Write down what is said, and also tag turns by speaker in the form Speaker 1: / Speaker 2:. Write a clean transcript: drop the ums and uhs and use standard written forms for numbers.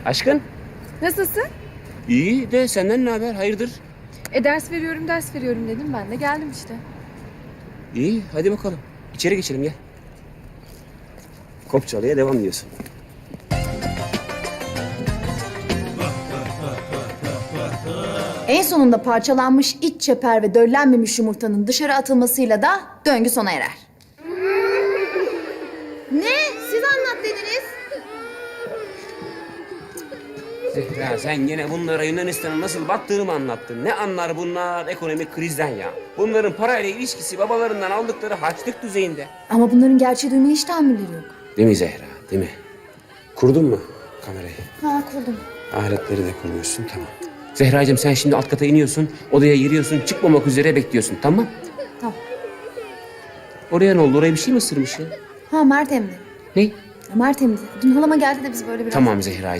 Speaker 1: Aşkın?
Speaker 2: Nasılsın?
Speaker 1: İyi de senden ne haber? Hayırdır?
Speaker 2: Ders veriyorum dedim ben de geldim işte.
Speaker 1: İyi, hadi bakalım. İçeri geçelim gel. Kopçalı'ya devam diyorsun.
Speaker 3: En sonunda parçalanmış iç çeper ve döllenmemiş yumurtanın dışarı atılmasıyla da döngü sona erer. Ne? Siz anlat dediniz.
Speaker 1: Zehra sen yine bunlara Yunanistan'ın nasıl battığını mı anlattın? Ne anlar bunlar ekonomik krizden ya? Bunların parayla ilişkisi babalarından aldıkları harçlık düzeyinde.
Speaker 3: Ama bunların gerçeği duymaya hiç tahammülleri yok.
Speaker 1: Değil mi Zehra, değil mi? Kurdun mu kamerayı?
Speaker 3: Ha kurdum.
Speaker 1: Aletleri de kurmuşsun, tamam. Zehracığım sen şimdi alt kata iniyorsun, odaya giriyorsun, çıkmamak üzere bekliyorsun, tamam?
Speaker 3: Tamam.
Speaker 1: Oraya ne oldu? Oraya bir şey mi ısırmış ya?
Speaker 3: Ha Mert emdi.
Speaker 1: Ne?
Speaker 3: Ya Mert emdi. Dün halama geldi de biz böyle biraz...
Speaker 1: Tamam Zehracığım.